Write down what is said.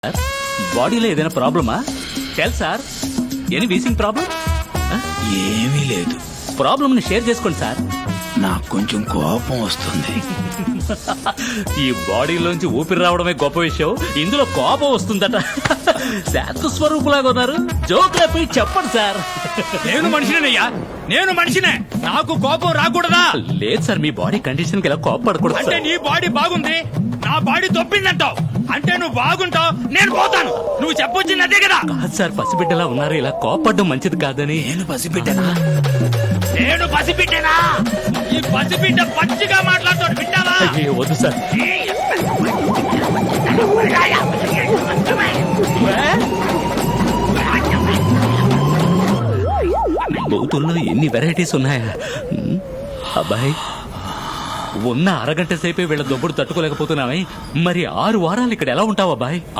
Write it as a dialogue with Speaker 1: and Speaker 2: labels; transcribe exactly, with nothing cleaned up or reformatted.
Speaker 1: బాడీలో ఏదైనా ప్రాబ్లమా? Tell sir, any wheezing problem?
Speaker 2: ఏమీ లేదు.
Speaker 1: ప్రాబ్లమ్ ని షేర్ చేసుకోండి సార్.
Speaker 2: నాకు కొంచెం కోపం వస్తుంది.
Speaker 1: ఈ బాడీలోంచి ఊపిరి రావడమే గొప్ప విషయం, ఇందులో కోపం వస్తుందట. శాంత స్వరూపులాగా ఉన్నారు. జోక్లపై చెప్పండి సార్.
Speaker 3: నేను మనిషినేనయ్యా, నేను మనిషినే. నాకు కోపం రాకూడదా?
Speaker 1: లేదు సార్, మీ బాడీ కండిషన్ కి ఇలా కోపపడకూడదు
Speaker 3: అంటే
Speaker 1: సార్.
Speaker 3: నీ బాడీ బాగుంది, నా బాడీ దొబ్బిందంటావు. అంటే నువ్వు బాగుంటావు, నేను పోతాను. నువ్వు చెప్పొచ్చింది అదే కదా.
Speaker 1: కాదు సార్, పసిబిడ్డలా ఉన్నారు, ఇలా కోపపడడం మంచిది కాదని.
Speaker 2: నేను పసిబిడ్డనా?
Speaker 3: నేను పసిబిడ్డనా? ఈ పసిబిడ్డ పచ్చిగా మాట్లాడుతాడు, వింటావా?
Speaker 1: అయ్యో, వద్దు సార్. బూతుల్లో ఎన్ని వెరైటీస్ ఉన్నాయా? ఉమ్, అబ్బాయి, ఉన్న అరగంట సేపే వీళ్ళ దొబ్బుడు తట్టుకోలేకపోతున్నావే, మరి ఆరు వారాలు ఇక్కడ ఎలా ఉంటావు అబ్బాయి?